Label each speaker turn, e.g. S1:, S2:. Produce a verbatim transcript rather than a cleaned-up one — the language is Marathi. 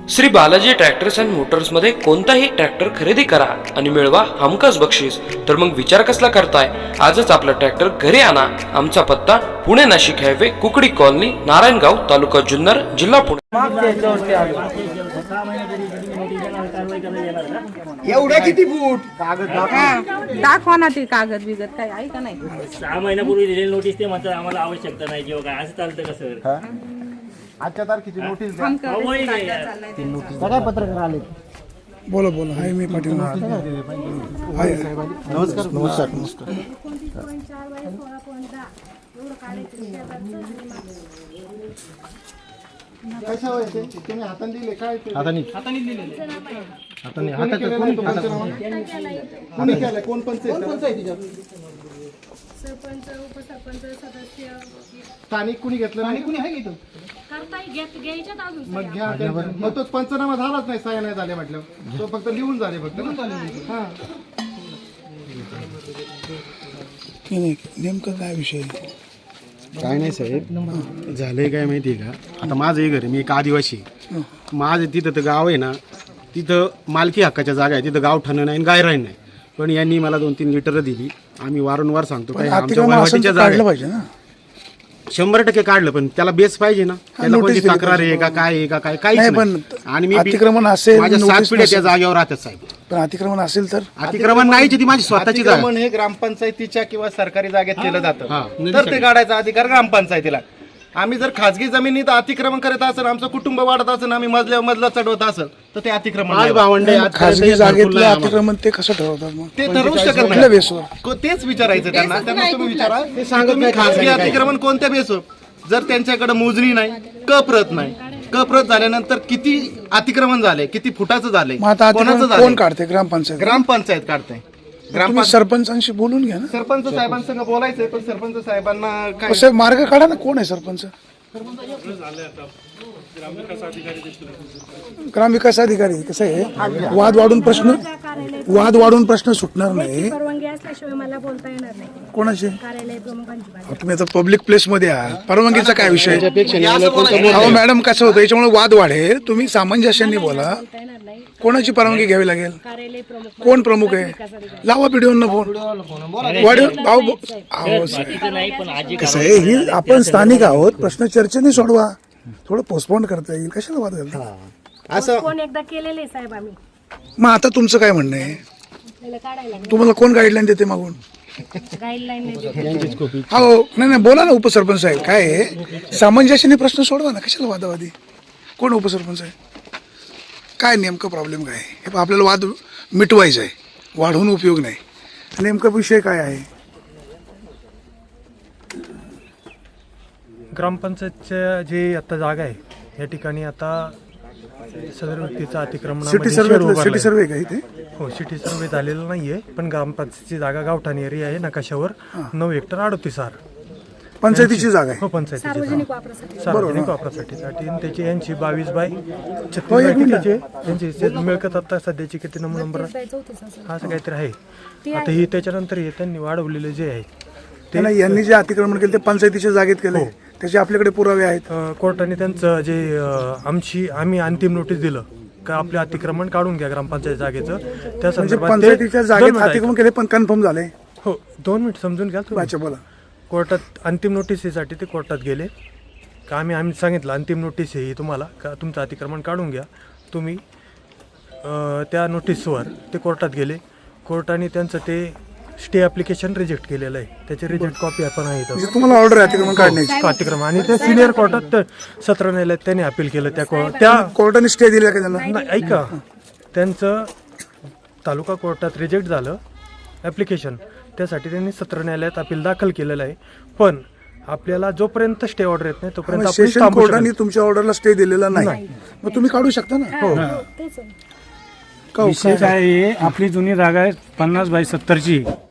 S1: Shri Balaji tractors and motors मध्ये कोणताही ट्रॅक्टर खरेदी करा आणि मिळवा हमखास बक्षीस। तर मग विचार कसला करताय, आजच आपला ट्रॅक्टर घरी आणा। आमचा पत्ता पुणे नाशिक हायवे, कुकडी कॉलनी, नारायणगाव, तालुका जुन्नर, जिल्हा पुणे।
S2: एवढ्या किती फूट
S3: दाखवा ना ते कागद बिगत काय आहे का नाही।
S4: सहा महिन्यापूर्वी दिलेली नोटीस ते म्हणतात आम्हाला आवश्यकता नाही किंवा काय असं चालतं का सर?
S2: आजच्या तारखेची नोटीस द्या.
S4: अवैध आहे.
S2: सगळ्या पत्रकार आले.
S5: बोला बोला हाय मी पाटील
S2: नमस्कार नमस्कार नमस्कार कशा व्हायचे तुम्ही हाताने दिले काय हाताने हाताने दिलेले हाताने हाताने कोणी कोणी केलं कोण पंचायत पंचायतीच्या
S6: सरपंच उपसरपंच सदस्य
S2: स्थानिक कुणी घेतलं नाही कुणी आहे इथं
S6: करताय घेत घ्यायच्यात अजून
S2: मग घ्या त्यांचं. मग तो पंचनामा झालाच नाही, सह्या नाही झाले म्हटलं तो फक्त लिहून झाले फक्त हा
S5: नाही नेमकं काय विषय
S7: काय नाही साहेब, झालंय काय माहिती आहे का, आता माझं हे घर आहे, मी एक आदिवासी आहे. माझं तिथं तर गाव आहे ना, तिथं मालकी हक्काच्या जागा आहे, तिथं गावठाणं नाही आणि गायरान नाही. पण यांनी मला दोन तीन लिटर दिली. आम्ही वारंवार सांगतो काय आमच्या वहिवाटीच्या जागा
S5: पाहिजे ना,
S7: शंभर टक्के काढलं, पण त्याला बेस पाहिजे ना, त्याला कोणती तक्रार आहे का काय आहे का काय काहीच
S5: नाही.
S7: नाही.
S5: पण
S7: आणि मी
S5: अतिक्रमण असेल,
S7: माझ्या
S5: नोटीस
S7: सात पिढ्या त्या
S5: नसेल.
S7: जागेवर राहतात साहेब.
S5: पण अतिक्रमण असेल तर
S7: अतिक्रमण नाही, ती माझी स्वतःची जागा
S2: अतिक्रमण हे ग्रामपंचायतीच्या किंवा सरकारी जागेत केलं
S7: हा.
S2: जातं, तर ते काढायचा अधिकार ग्रामपंचायतीला. आम्ही जर खाजगी जमिनीत अतिक्रमण करत असेल, आमचं कुटुंब वाढत असेल, आम्ही मजल्यावर मजला चढवत असेल, तर ते अतिक्रमण
S7: आज
S2: नाही.
S7: भावंडे आज
S5: खासगी
S7: भरपूर
S5: जागेतलं
S7: आहे आम्हाला.
S5: अतिक्रमण ते कसं ठरवतात मग?
S2: ते ठरवू शकत
S5: कुठल्या
S2: नाही.
S5: बेसवर?
S2: को- तेच विचारायचं त्यांना त्यांना तुम्ही विचारा
S7: ते सांगत
S2: तुम्ही
S7: नाही
S2: खासगी
S7: काय- काय-
S2: अतिक्रमण कोणत्या बेसवर, जर त्यांच्याकडे मोजणी नाही, कप्रत नाही, कप्रत झाल्यानंतर किती अतिक्रमण झाले, किती फुटाचं झाले,
S5: मग आता
S2: कोणाचं
S5: अतिक्रमण
S2: झालंय?
S5: कोण काढते? ग्रामपंचायत.
S2: ग्रामपंचायत काढते.
S5: तुम्ही
S2: ग्रामपंचायत
S5: सरपंचांशी बोलून घ्या ना.
S2: सरपंच साहेबांसंग बोलायचंय, पण सरपंच साहेबांना काय
S5: कसं मार्ग काढा ना, कोण आहे सरपंच? ग्रामविकास अधिकारी. कसं आहे, वाद वाढून प्रश्न वाद वाढून प्रश्न सुटणार नाही.
S6: परवानगी असल्याशिवाय मला बोलता येणार नाही.
S5: कोणाशी?
S6: कार्यालय प्रमुखांची बाजू.
S5: तुम्ही आता पब्लिक प्लेस मध्ये आहात, परवानगीचा काय विषय? अहो मॅडम, कसं होतं, याच्यामुळे वाद वाढेल. तुम्ही सामंजस्याने बोला.
S6: बोलता येणार नाही.
S5: कोणाची परवानगी घ्यावी लागेल?
S6: कार्यालय प्रमुख
S5: कोण प्रमुख आहे? लावा व्हिडिओ फोन वाढ भाऊ अहो,
S4: बाकीचं नाही, पण आजी
S5: कसं आहे, ही आपण स्थानिक आहोत, प्रश्न चर्चेने सोडवा. थोडं पोस्टपोन करता येईल, कशाला वाद घालता?
S2: असं
S6: कोण एकदा केलेले साहेब आम्ही
S5: मग आता तुमचं काय म्हणणं आहे?
S6: त्याला काढायला
S5: तुम्हाला कोण गाईडलाईन देते मागून?
S6: गाईडलाईन
S5: हो नाही नाही, बोला ना उपसरपंच साहेब. काय आहे, सामंजस्याने प्रश्न सोडवा ना, कशाला वादावादी? कोण उपसरपंच आहे? काय नेमकं प्रॉब्लेम काय आहे? हे पहा, आपल्याला वाद मिटवायचा आहे, वाढवून उपयोग नाही. नेमका विषय काय आहे?
S8: ग्रामपंचायतच्या जे आता जागा आहे या ठिकाणी आता सदर व्यक्तीचा अतिक्रमण
S5: सिटी सर्वे सिटी सर्वे का इथे?
S8: हो, सिटी सर्वे झालेला नाहीये, पण ग्रामपंचायतची जागा गावठाण एरिया आहे नकाशावर नऊ हेक्टर अडतीस आर
S5: पंचायतीची जागा आहे.
S8: हो, पंचायतीची जागा.
S6: सार्वजनिक वापरासाठी
S8: सार्वजनिक वापरासाठी आणि त्याची यांची बावीस बाय छत्तीस बाय कितीचे यांची जे मिळकत आता सध्याची किती नंबर नंबर
S6: चौतीस असेल.
S8: असं काहीतरी आहे. आता ही त्याच्यानंतर हे त्यांनी वाढवलेले जे आहे
S5: ते नाही, यांनी जे अतिक्रमण केलं ते पंचायतीच्या जागेत केले, त्याचे आपल्याकडे पुरावे आहेत.
S8: अ, कोर्टाने त्यांचं जे अ, आमची आम्ही अंतिम नोटीस दिलं का आपले अतिक्रमण काढून घ्या ग्रामपंचायत जागेचं, त्या
S5: म्हणजे
S8: संदर्भात ते-
S5: पंचायतीच्या
S8: दोन
S5: जागेत
S8: मिनिटं
S5: अतिक्रमण केले पण कन्फर्म झाले.
S8: ऐका. हो, दोन मिनिट समजून घ्या तुम्ही.
S5: अच्छा बोला.
S8: कोर्टात अंतिम नोटीसीसाठी ते कोर्टात गेले का आम्ही आम्ही सांगितलं अंतिम नोटीस आहे ही तुम्हाला का तुमचं अतिक्रमण काढून घ्या तुम्ही. अ, त्या नोटीसवर ते कोर्टात गेले. कोर्टाने त्यांचं ते स्टे ॲप्लिकेशन रिजेक्ट केलेलं आहे, त्याची रिजेक्ट कॉपी आपण आहे इथं.
S5: म्हणजे तुम्हाला ऑर्डर आहे अतिक्रमण काढण्याची?
S8: अतिक्रमण आणि ते सिनियर कोर्टात सत्र न्यायालयात त्यांनी अपील केलं. त्या को- त्या
S5: कोर्टाने स्टे दिला का त्यांना?
S8: नाही, ऐका, त्यांचं तालुका कोर्टात रिजेक्ट झालं ॲप्लिकेशन, त्यासाठी त्यांनी सत्र न्यायालयात अपील दाखल केलेलं आहे. पण आपल्याला जोपर्यंत स्टे ऑर्डर येत नाही तोपर्यंत आपण
S5: सेशन
S8: थांबू शकत
S5: कोर्टाने तुमच्या ऑर्डरला स्टे दिलेला नाही, मग तुम्ही काढू शकता ना.
S8: हो.
S6: तेच आहे.
S5: का हो?
S9: विषय काय आहे, आपली जुनी जागा आहे पन्नास बाय सत्तरची.